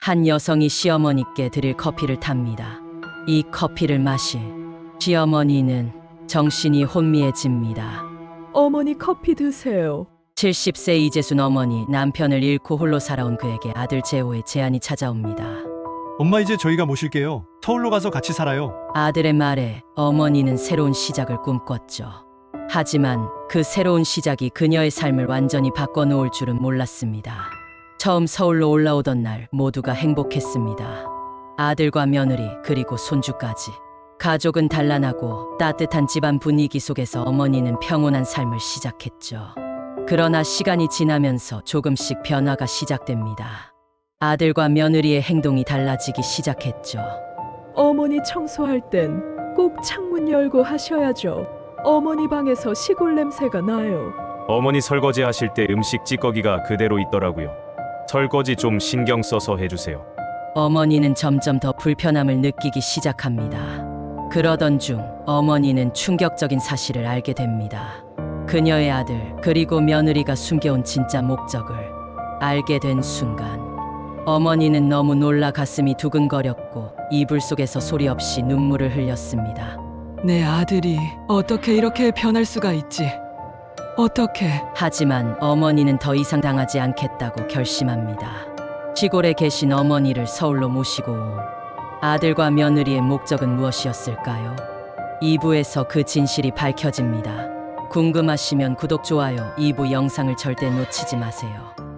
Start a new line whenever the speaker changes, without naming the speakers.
한 여성이 시어머니께 드릴 커피를 탑니다. 이 커피를 마실 시어머니는 정신이 혼미해집니다.
어머니 커피 드세요.
70세 이재순 어머니, 남편을 잃고 홀로 살아온 그에게 아들 재호의 제안이 찾아옵니다.
엄마, 이제 저희가 모실게요. 서울로 가서 같이 살아요.
아들의 말에 어머니는 새로운 시작을 꿈꿨죠. 하지만 그 새로운 시작이 그녀의 삶을 완전히 바꿔놓을 줄은 몰랐습니다. 처음 서울로 올라오던 날 모두가 행복했습니다. 아들과 며느리 그리고 손주까지. 가족은 단란하고 따뜻한 집안 분위기 속에서 어머니는 평온한 삶을 시작했죠. 그러나 시간이 지나면서 조금씩 변화가 시작됩니다. 아들과 며느리의 행동이 달라지기 시작했죠.
어머니 청소할 땐 꼭 창문 열고 하셔야죠. 어머니 방에서 시골 냄새가 나요.
어머니 설거지 하실 때 음식 찌꺼기가 그대로 있더라고요. 설거지 좀 신경 써서 해주세요.
어머니는 점점 더 불편함을 느끼기 시작합니다. 그러던 중 어머니는 충격적인 사실을 알게 됩니다. 그녀의 아들 그리고 며느리가 숨겨온 진짜 목적을 알게 된 순간 어머니는 너무 놀라 가슴이 두근거렸고 이불 속에서 소리 없이 눈물을 흘렸습니다.
내 아들이 어떻게 이렇게 변할 수가 있지? 어떻게?
하지만 어머니는 더 이상 당하지 않겠다고 결심합니다. 시골에 계신 어머니를 서울로 모시고 온 아들과 며느리의 목적은 무엇이었을까요? 2부에서 그 진실이 밝혀집니다. 궁금하시면 구독, 좋아요, 2부 영상을 절대 놓치지 마세요.